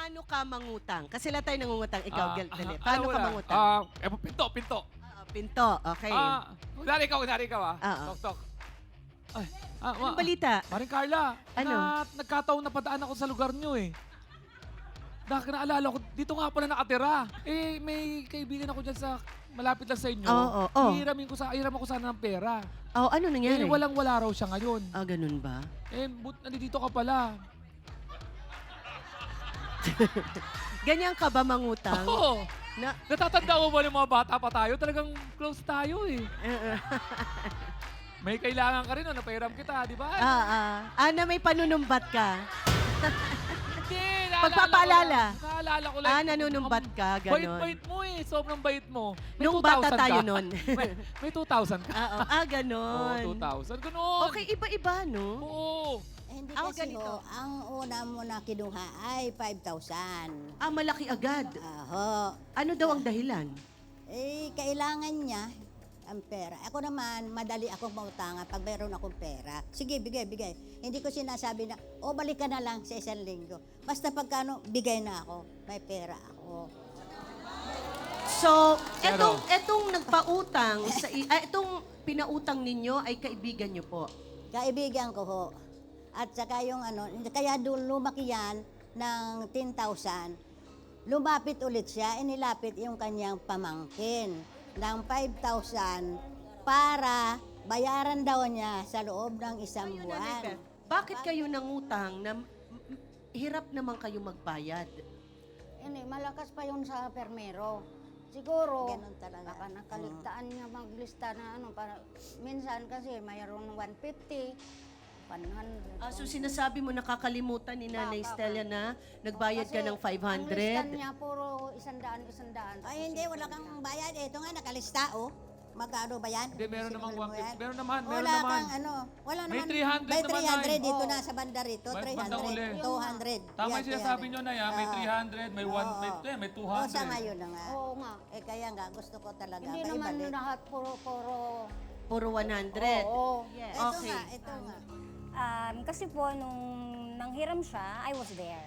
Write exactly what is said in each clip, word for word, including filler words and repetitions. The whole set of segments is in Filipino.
paano ka mangutang? Kasi lahat tayo nangungutang. Ikaw, Ah, Gel, dali. ah, Paano ah, ka wala. mangutang? Ah, eh, pinto, pinto. Oo, pinto. Okay. Ah, kunwari ikaw, kunwari ikaw ah. Oo. Tok, tok. Ay, ah, Anong ma- balita? Paring Carla, Ano? na, nagkataon na padaan ako sa lugar nyo eh. Nak naalala ko, dito nga pala nakatira. Eh, may kaibigan ako dyan sa malapit lang sa inyo. Oo, oo. Hihiramin ko sa, hiram ako sana ng pera. Oh, ano nangyari? Eh, walang-wala raw siya ngayon. Ah, ganun ba? Eh, but, nandito ka pala. Ganyan ka ba mangutang? Oo. Na, Natatanda mo ba ng mga bata pa tayo? Talagang close tayo eh. uh, May kailangan ka rin, no? Napahiram kita, di ba? ah, ah. Ah, na may panunumbat ka? Hindi, naalala Pagpapaalala? ko lang. Naalala ko lang. Ah, nanunumbat ka, Ang ganon. Bait-bait mo eh. Sobrang bait mo. May Nung two thousand bata tayo ka. nun. may, may two thousand ka. Ah, oh, ah, Oo, ganon. two thousand. Ganon. Okay, iba-iba, no? Oo. Eh, hindi Ako kasi ganito. ho, ang una mo na kinuha ay five thousand. Ah, malaki agad. Aho. Ano daw ang dahilan? Eh, kailangan niya ang pera. Ako naman, madali akong mautangan pag mayroon akong pera. Sige, bigay, bigay. Hindi ko sinasabi na, o balik ka na lang sa isang linggo. Basta pagkano, bigay na ako. May pera ako. So, Pero- etong, etong nagpautang, sa, i- ah, etong pinautang ninyo ay kaibigan nyo po. Kaibigan ko ho. At saka yung ano, kaya doon lumaki yan ng ten thousand. Lumapit ulit siya, inilapit yung kanyang pamangkin ng five thousand para bayaran daw niya sa loob ng isang buwan. Bakit kayo nangutang na m- m- hirap naman kayo magbayad? Hindi, malakas pa yun sa permero. Siguro, Ganon talaga. baka nakaligtaan niya maglista na ano. Para, minsan kasi mayroon one fifty, one hundred. Ah, so sinasabi mo nakakalimutan ni Nanay Baka- Stella na nagbayad ka Kasi ng five Ang lista hundred? niya puro isandaan, isandaan. Ay, hindi, wala kang bayad. Ito nga, nakalista, oh. Magkano ba yan? Hindi, meron namang Simulan mo one fifty. yan? Meron naman, meron Wala naman. kang ano, wala May naman. three hundred May naman, three hundred Nay. dito Oo. na sa banda rito, May three bandang hundred, uli. two hundred. Tama Yan, yung sinasabi nyo na yan. May Oo. three hundred, may one, may, Oo. eh, may two Oo, hundred. sa ngayon na nga. Oo nga. Eh, kaya nga, gusto ko talaga. Hindi ba, naman ibalik. lahat puro, puro. Puro one hundred. Oo. Yes. Ito Okay. nga, ito nga. Um, kasi po, nung nanghiram siya, I was there.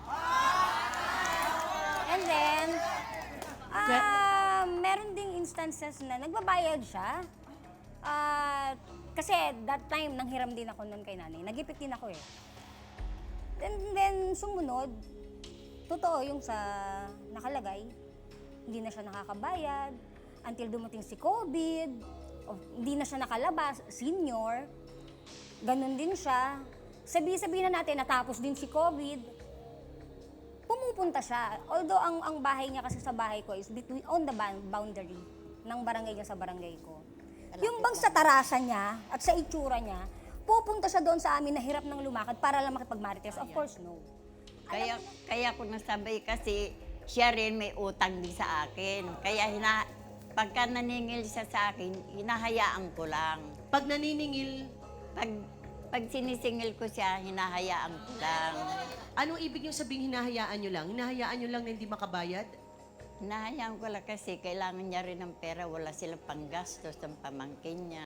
And then, ah, meron ding instances na nagbabayad siya. Ah, kasi that time, nanghiram din ako nun kay nanay. Nagipit din ako eh. And then, sumunod, totoo yung sa nakalagay, hindi na siya nakakabayad until dumating si COVID, o hindi na siya nakalabas, senior, ganun din siya. Sabi-sabihin na natin, natapos din si COVID, pumupunta siya. Although ang ang bahay niya kasi sa bahay ko is between on the ban- boundary ng barangay niya sa barangay ko. Yung bang sa tarasa niya at sa itsura niya, pupunta siya doon sa amin na hirap ng lumakad para lang makipagmarites. Of course, no. Kaya, kaya ko nasabay kasi siya rin may utang din sa akin. Kaya hina, pagka naningil siya sa akin, hinahayaan ko lang. Pag naniningil, Pag, pag sinisingil ko siya, hinahayaan ko lang. anong ibig nyo sabing hinahayaan nyo lang? Hinahayaan nyo lang na hindi makabayad? Hinahayaan ko lang kasi kailangan niya rin ng pera. Wala silang panggastos ng pamangkin niya.